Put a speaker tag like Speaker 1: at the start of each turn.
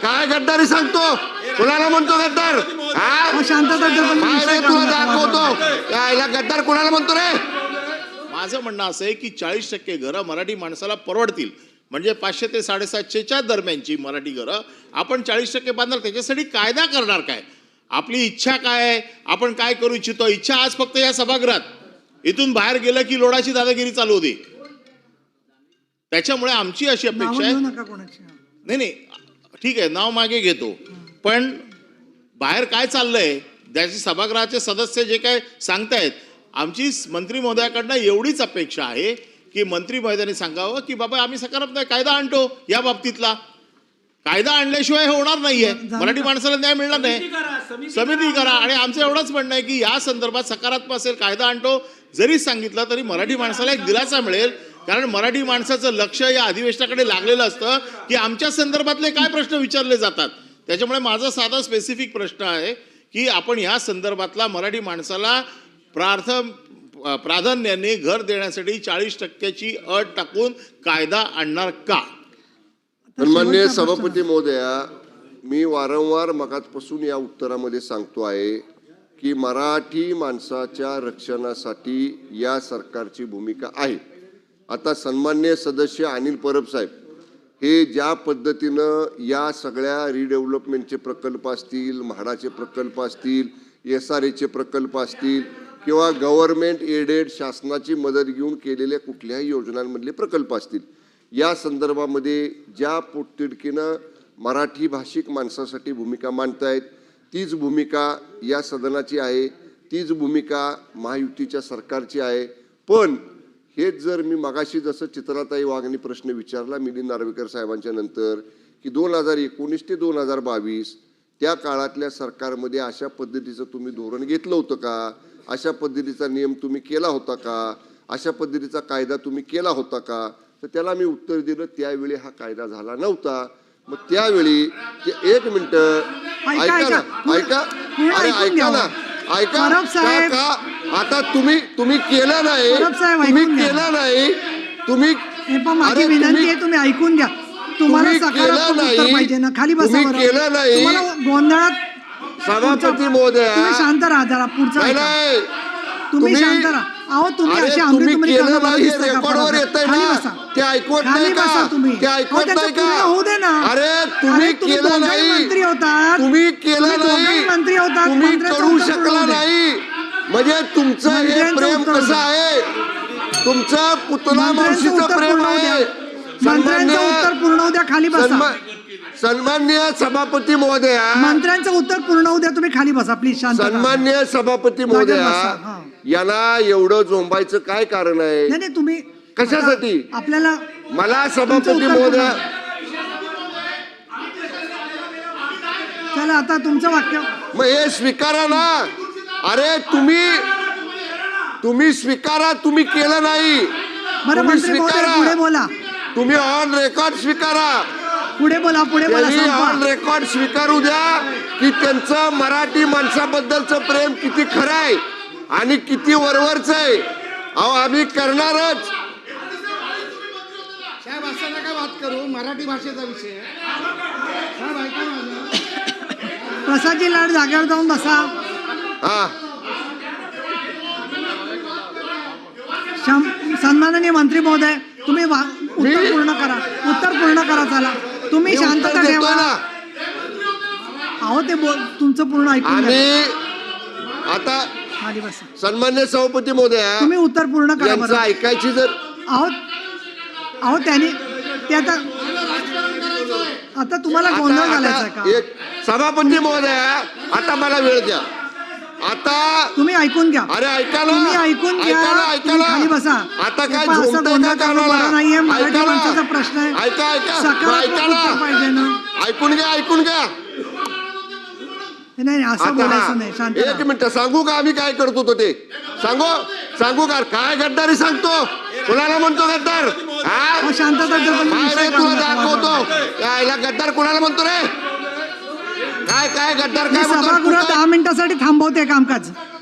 Speaker 1: काय गद्दारी सांगतो? कुणाला म्हणतो गद्दार? तुला दाखवतो याला गद्दार कुणाला म्हणतो रे?
Speaker 2: माझं म्हणणं असं आहे की 40% घरं मराठी माणसाला परवडतील, म्हणजे 500 ते 750च्या दरम्यानची मराठी घरं आपण 40% बांधणार. त्याच्यासाठी कायदा करणार काय? आपली इच्छा काय आहे? आपण काय करू इच्छितो? इच्छा आज फक्त या सभागृहात, इथून बाहेर गेलं की लोडाची दादागिरी चालू होती. त्याच्यामुळे आमची अशी अपेक्षा आहे, नाही ठीक आहे नाव मागे घेतो, पण बाहेर काय चाललंय त्याची सभागृहाचे सदस्य जे काय सांगतायत, आमची मंत्री महोदयाकडनं एवढीच अपेक्षा आहे की मंत्री महोदयांनी सांगावं की बाबा आम्ही सकारात्मक कायदा आणतो. या बाबतीतला कायदा आणल्याशिवाय होणार नाहीये, मराठी माणसाला न्याय मिळणार नाही. समिती करा. आणि आमचं एवढंच म्हणणं आहे की या संदर्भात सकारात्मक असेल कायदा आणतो जरी सांगितलं तरी मराठी माणसाला एक दिलासा मिळेल. कारण मराठी माणसाचं लक्ष या अधिवेशनाकडे लागलेलं असतं की आमच्या संदर्भातले काय प्रश्न विचारले जातात. त्याच्यामुळे माझा साधा स्पेसिफिक प्रश्न आहे की आपण या संदर्भातला मराठी माणसाला प्राधान्याने घर देण्यासाठी 40%ची अट टाकून कायदा आणणार का?
Speaker 1: सन्माननीय सभापती महोदया, मी वारंवार मगाचपासून या उत्तरामध्ये सांगतो आहे की मराठी माणसाच्या रक्षणासाठी या सरकारची भूमिका आहे. आता सन्माननीय सदस्य अनिल परब साहेब हे ज्या पद्धतीनं या सगळ्या रिडेव्हलपमेंटचे प्रकल्प असतील, म्हाडाचे प्रकल्प असतील, SRAचे प्रकल्प असतील किंवा गव्हर्नमेंट एडेड शासनाची मदत घेऊन केलेल्या कुठल्याही योजनांमधले प्रकल्प असतील, या संदर्भामध्ये ज्या पोटतिडकीनं मराठी भाषिक माणसासाठी भूमिका मांडतायत तीच भूमिका या सदनाची आहे, तीच भूमिका महायुतीच्या सरकारची आहे. पण हेच जर मी मगाशी जसं चित्राताई वाघनी प्रश्न विचारला मिलिंद नार्वेकर साहेबांच्या नंतर की 2019 ते 2022 त्या काळातल्या सरकारमध्ये अशा पद्धतीचं तुम्ही धोरण घेतलं होतं का? अशा पद्धतीचा नियम तुम्ही केला होता का? अशा पद्धतीचा कायदा तुम्ही केला होता का? तर त्याला मी उत्तर दिलं त्यावेळी हा कायदा झाला नव्हता. मग त्यावेळी एक मिनिट ऐका ना, ऐका, अरे ऐका ना, ऐका का? आता तुम्ही केलं नाही, तुम्ही केलं नाही, तुम्ही
Speaker 3: विनंती आहे तुम्ही ऐकून घ्या. तुम्हाला सकारात्मक उत्तर पाहिजे ना, खाली बसा.
Speaker 1: केलं नाही
Speaker 3: गोंधळात
Speaker 1: सभापती महोदया,
Speaker 3: तुम्ही शांत राहा जरा. पुढचा तुम्ही शांत राहा. अहो तुम्ही असे
Speaker 1: रेकॉर्डवर येतंय ना, ते ऐकवत नाही का? ते ऐकवत नाही का?
Speaker 3: होऊ दे ना.
Speaker 1: अरे तुम्ही केलं नाही,
Speaker 3: मंत्री होतात,
Speaker 1: तुम्ही केलं नाही,
Speaker 3: मंत्री होतात,
Speaker 1: तुम्ही करू शकला नाही. म्हणजे तुमचं हे प्रेम कसं आहे? तुमचं पुतला मावशीचं प्रेम आहे.
Speaker 3: मंत्र्यांचं उत्तर पूर्ण होऊ द्या. खाली बसा.
Speaker 1: सन्माननीय सभापती महोदया,
Speaker 3: मंत्र्यांचं उत्तर पूर्ण होऊ द्या. तुम्ही खाली बसा प्लीज. शांत.
Speaker 1: सन्माननीय सभापती महोदया, याला एवढं झोंबायचं काय कारण आहे?
Speaker 3: नाही तुम्ही
Speaker 1: कशासाठी?
Speaker 3: आपल्याला
Speaker 1: मला सभापती महोदया,
Speaker 3: चला आता तुमचं वाक्य
Speaker 1: मग हे स्वीकारा ना. अरे तुम्ही स्वीकारा, तुम्ही केलं नाही.
Speaker 3: तुम्ही स्वीकारा, पुढे बोला.
Speaker 1: तुम्ही ऑन रेकॉर्ड स्वीकारा.
Speaker 3: पुढे बोला.
Speaker 1: ऑन रेकॉर्ड स्वीकारू द्या की त्यांचं मराठी माणसाबद्दलचं प्रेम किती खरं आहे आणि किती वरवरच आहे. अहो आम्ही करणारच.
Speaker 4: साहेब असं नका बात करू, मराठी भाषेचा विषय.
Speaker 3: प्रसादजी लाड जागेवर जाऊन बसा.
Speaker 1: हा,
Speaker 3: सन्माननीय मंत्री महोदय तुम्ही उत्तर पूर्ण करा. चला तुम्ही शांतता ठेवा. अहो ते तुमचं पूर्ण ऐकून
Speaker 1: आणि आता
Speaker 3: खाली बसा.
Speaker 1: सन्मान्य सभापती महोदया,
Speaker 3: तुम्ही उत्तर पूर्ण करा.
Speaker 1: यांचं ऐकायची जर
Speaker 3: अहो त्यांनी ते आता तुम्हाला गोंधळ घालायचा का?
Speaker 1: एक सभापती महोदया, आता मला वेळ द्या. आता
Speaker 3: तुम्ही ऐकून घ्या.
Speaker 1: अरे ऐका ना,
Speaker 3: तुम्ही ऐकून घ्या. खाली बसा.
Speaker 1: आता काय झोंबतंय का कानाला?
Speaker 3: नाहीये. मराठी
Speaker 1: ऐका ना,
Speaker 3: माणसाचा प्रश्न आहे.
Speaker 1: ऐका
Speaker 3: सकारात्मक उत्तर पाहिजे ना.
Speaker 1: ऐकून घ्या.
Speaker 3: नाही असं बोलायचं नाही. शांत
Speaker 1: एक मिनिट सांगू का आम्ही काय करतो तो ते सांगू का? काय गद्दारी सांगतो? कुणाला म्हणतो गद्दार?
Speaker 3: शांतता
Speaker 1: तुला दाखवतो याला गद्दार कुणाला म्हणतो रे? काय गद्दार काय म्हणतो?
Speaker 3: सभागृह 10 मिनिटासाठी थांबवते कामकाज.